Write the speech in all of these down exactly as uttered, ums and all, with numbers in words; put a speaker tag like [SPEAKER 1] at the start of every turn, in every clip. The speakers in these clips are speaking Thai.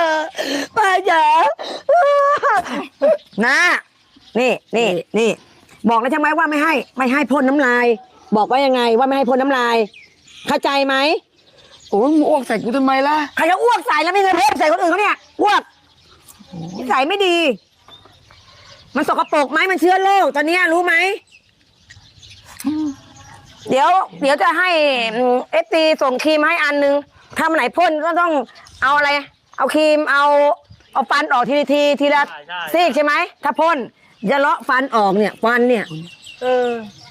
[SPEAKER 1] ป้าจ๋านะนี่นี่นี่บอกแล้วใช่ไหมว่าไม่ให้ไม่ให้พ่นน้ำลายบอกว่ายังไงว่าไม่ให้พ่นน้ำลายเข้าใจไหม
[SPEAKER 2] โอ้ยมึงอ้วกใส่กูทำไมล่ะ
[SPEAKER 1] ใครจะอ้วกใส่แล้วไม่เคยพ่นใส่คนอื่นเขาเนี่ยอ้วกนิสัยไม่ดีมันสกปรกไหมมันเชื้อโรคตอนนี้รู้ไหมเดี๋ยวเดี๋ยวจะให้เอฟซีส่งครีมให้อันนึงทำไหนพ่นก็ต้องเอาอะไรเอาครีมเอาเอาฟันออกทีทีทีละซีกใช่ไหมถ้าพ่นจะเลาะฟันออกเนี่ยฟันเนี่ยเออ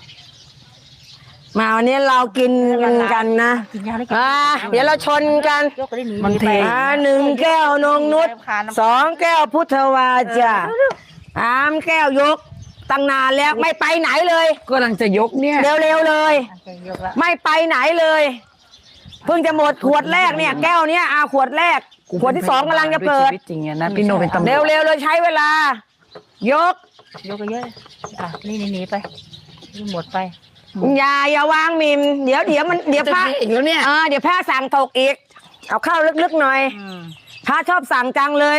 [SPEAKER 1] มาวันนี้เรากินกันกันนะอ่าเดี๋ยวเราชนกัน
[SPEAKER 2] มันเท
[SPEAKER 1] อ่าหนึ่งแก้วนงนุชสองแก้วพุทธวาจาสามแก้วยกตั้งนานแล้วไม่ไปไหนเลย
[SPEAKER 2] ก็กำลังจะยกเนี่ย
[SPEAKER 1] เร็วๆเลยไม่ไปไหนเลยเพิ่งจะหมดขวดแรกเนี่ยแก้วเนี้ยอาขวดแรกขวดที่สองกำลังจะเปิด
[SPEAKER 2] จริงๆนะพี่โนเป็นตำรวจ
[SPEAKER 1] เร็วๆเลยใช้เวลายก
[SPEAKER 3] ยกเยอะอ่ะนี่หนีไปนี่หมดไป
[SPEAKER 1] อย่าอย่าวางมิมเดี๋ยวเดี๋ยวมันเดี๋ยวพระ
[SPEAKER 2] อีกแล้วเนี่ย
[SPEAKER 1] เออเดี๋ยวพระสั่งตกอีกเอาเข้าลึกๆหน่อยพระชอบสั่งจังเลย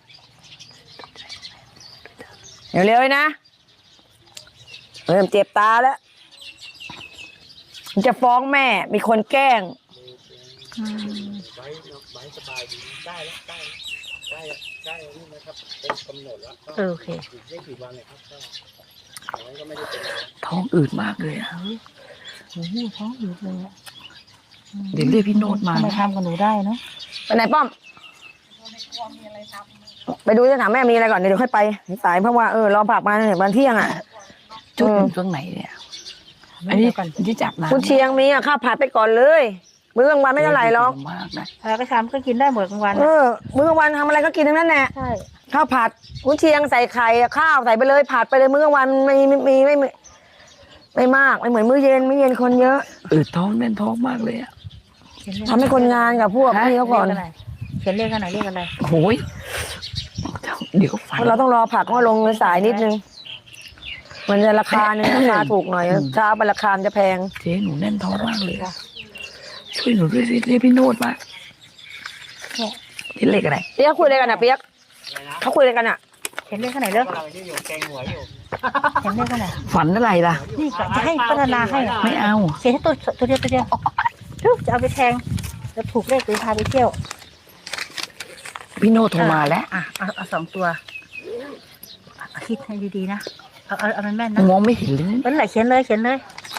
[SPEAKER 1] เร็วๆนะเริ่มเจ็บตาแล้วจะฟ้องแม่มีคนแกล้ง
[SPEAKER 3] โอเค
[SPEAKER 2] ท้องอืดมากเลยอ่ะ
[SPEAKER 3] โอ้โหท้องอืดเลยอ่ะ
[SPEAKER 2] เดี๋ยวเรียกพี่โนดมา
[SPEAKER 3] ทำไมทำกับหนูได้เนาะ
[SPEAKER 1] ไปไหนป้อมไปดูจะถามแม่มีอะไรก่อนเดี๋ยวค่อยไปสายเพราะว่าเออรอผักมาเนี่ยวันเที่ยงอ่ะ
[SPEAKER 2] จุดอยู่ตรงไหนเนี่ยอันนี้ที่จับนะ
[SPEAKER 1] คุณเชียงมีอ่ะข้าวผัดไปก่อนเลยมื้อกลางวันไม่เท่าไหร่หรอก
[SPEAKER 3] แล้วก็ทำก็กินได้หมดกลางวัน
[SPEAKER 1] เออมื้อกลางวันทำอะไรก็กินทั้งนั้นแหละ
[SPEAKER 3] ใช่
[SPEAKER 1] ข้าวผัดคุณเชียงใส่ไข่ข้าวใส่ไปเลยผัดไปเลยมื้อกลางวันไม่มีไม่ไม่ไม่มากไม่เหมือนมื้อเย็นมื้อเย็นคนเยอะ
[SPEAKER 2] อืดท้องแน่นท้องมากเลยอ่ะ
[SPEAKER 1] ทำให้คนงานกับพวกนี่เขาก่อน
[SPEAKER 3] เขียนเลขอะไรเลขอะไร
[SPEAKER 2] โอ้ยเดี๋ยวฝัน
[SPEAKER 1] เราต้องรอผักว่าลงสายนิดนึงมันจะราคาเนี่ยราคาถูกหน่อยเช้าไปราคาจะแพง
[SPEAKER 2] เจ๊หนูแน่นท้องมากเลยช่วยหนูด้วยสิเรียกพี่โนดมาที่เลขอะไร
[SPEAKER 1] เปียกคุยอะไรกันอ่ะเปียกเขาคุยอะไรกันอ่ะ
[SPEAKER 3] เขียนเลขขนาดเลิกเขียนเลขขนาด
[SPEAKER 2] ฝันอะไรล่ะ
[SPEAKER 3] นี่จะให้พัฒนาให้
[SPEAKER 2] ไม่เอา
[SPEAKER 3] เขียนให้ตัวตัวเดียวตัวเดียวจะเอาไปแทงแล้วถูกเลขไปพาไปเที่ยว
[SPEAKER 2] พี่โนโทรมาแล้ว
[SPEAKER 3] อ่ะเอาเอาสองตัวคิดให้ดีๆนะเอาเอาเอาแม่นๆนะ
[SPEAKER 2] มองไม่เห็นเลย
[SPEAKER 3] เป็นไรเขียนเลยเขียนเลย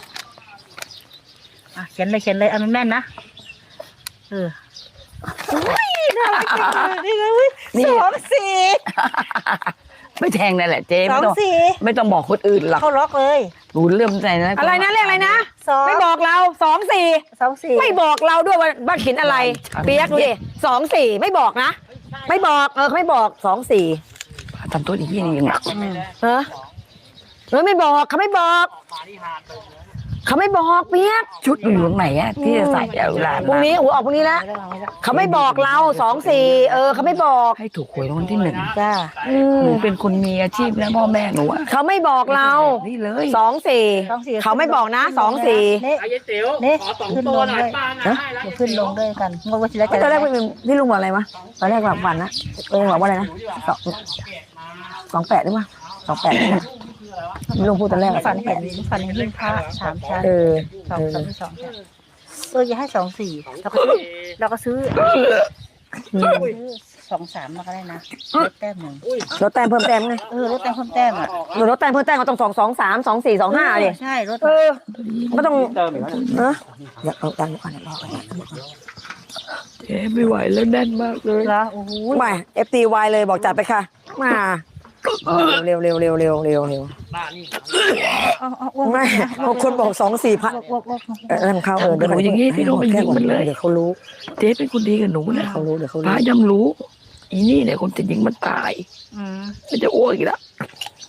[SPEAKER 3] อ่ะเขียนเลยเขียนเลยเอาแม่นๆนะเอออุ้ยน่ารักจังเลยนี่ไงอุ้ยสองสี่
[SPEAKER 2] ไม่แทงนั่นแหละเจ๊
[SPEAKER 3] สองสี่
[SPEAKER 2] ไม่ต้องบอกคนอื่นหรอก
[SPEAKER 3] เขาล็อกเลย
[SPEAKER 2] ดูเริ่มใจนะ
[SPEAKER 1] อะไรนะเรียกอะไรนะไม่บอกเราสองสี่
[SPEAKER 3] สองสี่
[SPEAKER 1] ไม่บอกเราด้วยว่าบ้านเขียนอะไรเปียกดูดิสองสี่ไม่บอกนะไม่บอกเออเขาไม่บอกสองสี่
[SPEAKER 2] ทำตัวอีกที่นึงยังหนัก
[SPEAKER 1] เออเออไม่บอกเขาไม่บอกเขาไม่บอกเปียก
[SPEAKER 2] ชุดอยู่ตรงไหนอะที่จะใส่เอาเวลา
[SPEAKER 1] พรุ่งนี้หัวออกพรุ่งนี้แล้วเขาไม่บอกเราสองสี่เออเขาไม่บอก
[SPEAKER 2] ให้ถูกหวยรางวัลที่หนึ่ง
[SPEAKER 3] จ้า
[SPEAKER 2] หนูเป็นคนมีอาชีพแล้วพ่อแม่หนู
[SPEAKER 1] เขาไม่บอกเรา
[SPEAKER 2] นี่เลย
[SPEAKER 1] สองสี่เขาไม่บอกนะสองสี่
[SPEAKER 3] นี่นี่ขึ้นลงด้วยขึ้นลงด้วยกันงงว่าจะได้
[SPEAKER 1] ตอนแรกพี่ลุงบอกอะไรวะตอนแรกแบบฝันนะเออบอกว่าอะไรนะสองสองแปดหรือเปล่าสองแปดลุงพูดตอนแรก
[SPEAKER 3] ฝันเห็นฝันเห็นยิ่งพระสามชั้น
[SPEAKER 1] เออ
[SPEAKER 3] สองสองสองเออจะให้สองสี่เราก็เราก็ซื้อสองสามมาก็ได้นะลดแต้มหนึ่ง
[SPEAKER 1] ลดแต้มเพิ่มแต้มไง
[SPEAKER 3] เออลดแต้มเพิ่มแต้มอ่ะ
[SPEAKER 1] หรือลดแต้มเพิ่มแต้มก็ต้องสองสองสามสองสี่สองห้าเลย
[SPEAKER 3] ใช่ลด
[SPEAKER 1] เออก็ต้องเออเดี๋ยวเอาตังค์ก่อนเดี๋ยวรอก่อน
[SPEAKER 2] เจ๊ไม่ไหวแล้วแน่นมากเลย
[SPEAKER 3] แล้วโอ้โห
[SPEAKER 1] ไม่เอฟตีวายเลยบอกจัดไปค่ะมาเร็วเร็วเร็วเร็วเร็วเร็วไม่บางคนบอกสองสี่พันเออทำข้าวเออ
[SPEAKER 2] เดี๋ยวอย่างงี้พี่โนเป็นยิงมันเลย
[SPEAKER 1] เดี๋ยวเขารู้
[SPEAKER 2] เจ๊เป็นคนดีกับหนูนะ
[SPEAKER 1] เขารู้เดี๋ยวเขารู้
[SPEAKER 2] พาย่ำรู้อีนี่เนี่ยคนจะยิงมันตายมันจะอ้วกอีกแล้ว